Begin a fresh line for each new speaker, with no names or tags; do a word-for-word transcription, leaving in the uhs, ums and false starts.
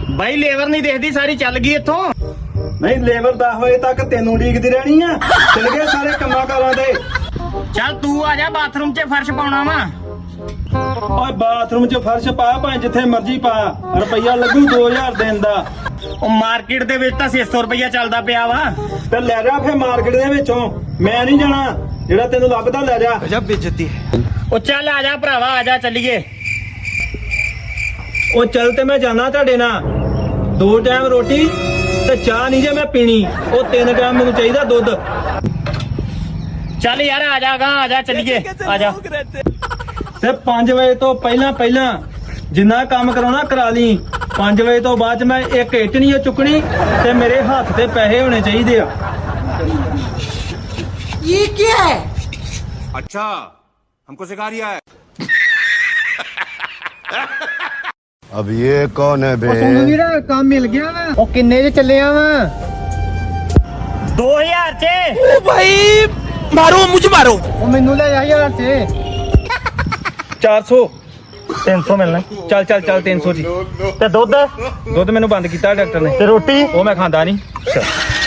ਬਾਈ labour ਨਹੀਂ ਦੇਖਦੀ ਸਾਰੀ ਚੱਲ ਗਈ ਇੱਥੋਂ।
ਨਹੀਂ ਲੇਬਰ ਦਸ ਵਜੇ ਤੱਕ ਤੈਨੂੰ ਉਡੀਕਦੀ ਰਹਿਣੀ ਆ। ਚਲ ਗਏ ਸਾਰੇ ਕੰਮਾਂ ਕਾਰਾਂ ਦੇ।
ਚੱਲ ਤੂੰ ਆ ਜਾ ਬਾਥਰੂਮ 'ਚ ਫਰਸ਼ ਪਾਉਣਾ ਵਾ।
ਓਏ ਬਾਥਰੂਮ 'ਚ ਫਰਸ਼ ਪਾ ਭਾਵੇਂ ਜਿੱਥੇ ਮਰਜ਼ੀ ਪਾ, ਰੁਪਈਆ ਲੱਗੂ ਦੋ ਹਜ਼ਾਰ ਦਿਨ ਦਾ।
ਉਹ ਮਾਰਕੀਟ ਦੇ ਵਿੱਚ ਤਾਂ ਛੇ ਸੌ ਰੁਪਈਆ ਚੱਲਦਾ ਪਿਆ ਵਾ।
ਤੇ ਲੈ ਜਾ ਫੇ ਮਾਰਕੀਟ ਦੇ ਵਿੱਚੋਂ, ਮੈਂ ਨਹੀਂ ਜਾਣਾ। ਜਿਹੜਾ ਤੈਨੂੰ ਲੱਭਦਾ ਲੈ ਜਾ।
गजब बेइज्जती है।
ਉਹ ਚੱਲ ਆ ਜਾ ਭਰਾਵਾ, ਆ ਜਾ ਚੱਲੀਏ।
ਉਹ ਚੱਲ ਤੇ ਮੈਂ ਜਾਣਾ ਤੁਹਾਡੇ ਨਾਲ। ਦੋ ਟਾਈਮ ਰੋਟੀ ਤੇ ਚਾਹ ਨਹੀਂ ਜੇ ਮੈਂ ਪੀਣੀ। ਉਹ ਤਿੰਨ ਟਾਈਮ ਮੈਨੂੰ ਚਾਹੀਦਾ ਦੁੱਧ।
ਚੱਲ ਯਾਰ ਆ ਜਾਗਾ, ਆ ਜਾ ਚੱਲੀਏ, ਆ ਜਾ।
ਤੇ ਪੰਜ ਵਜੇ ਤੋਂ ਪਹਿਲਾਂ ਪਹਿਲਾਂ ਜਿੰਨਾ ਕੰਮ ਕਰਾਉਣਾ ਕਰਾ ਲਈ। ਪੰਜ ਵਜੇ ਤੋਂ ਬਾਅਦ 'ਚ ਮੈਂ ਇੱਕ ਇੱਟ ਨਹੀਂ ਚੁੱਕਣੀ ਤੇ ਮੇਰੇ ਹੱਥ ਤੇ ਪੈਸੇ ਹੋਣੇ ਚਾਹੀਦੇ ਆ।
ये क्या है?
अच्छा हमको सिखा रिया है।
अब ये कौन है बे?
ਕੰਮ ਮਿਲ ਗਿਆ ਵਾ।
ਉਹ ਕਿੰਨੇ 'ਚ ਚੱਲਿਆ ਵਾ? ਦੋ ਹਜ਼ਾਰ 'ਚ।
ओ भाई मारो मुझे मारो।
ਉਹ ਮੈਨੂੰ ਲੈ ਜਾ ਯਾਰ ਤੇ ਚਾਰ ਸੌ
ਤਿੰਨ ਸੌ ਮਿਲਣਾ।
ਚੱਲ ਚੱਲ ਚੱਲ ਤਿੰਨ ਸੌ ਜੀ।
ਤੇ ਦੁੱਧ
ਦੁੱਧ ਮੈਨੂੰ ਬੰਦ ਕੀਤਾ ਡਾਕਟਰ ਨੇ।
ਤੇ ਰੋਟੀ?
ਉਹ ਮੈਂ ਖਾਂਦਾ ਨਹੀਂ।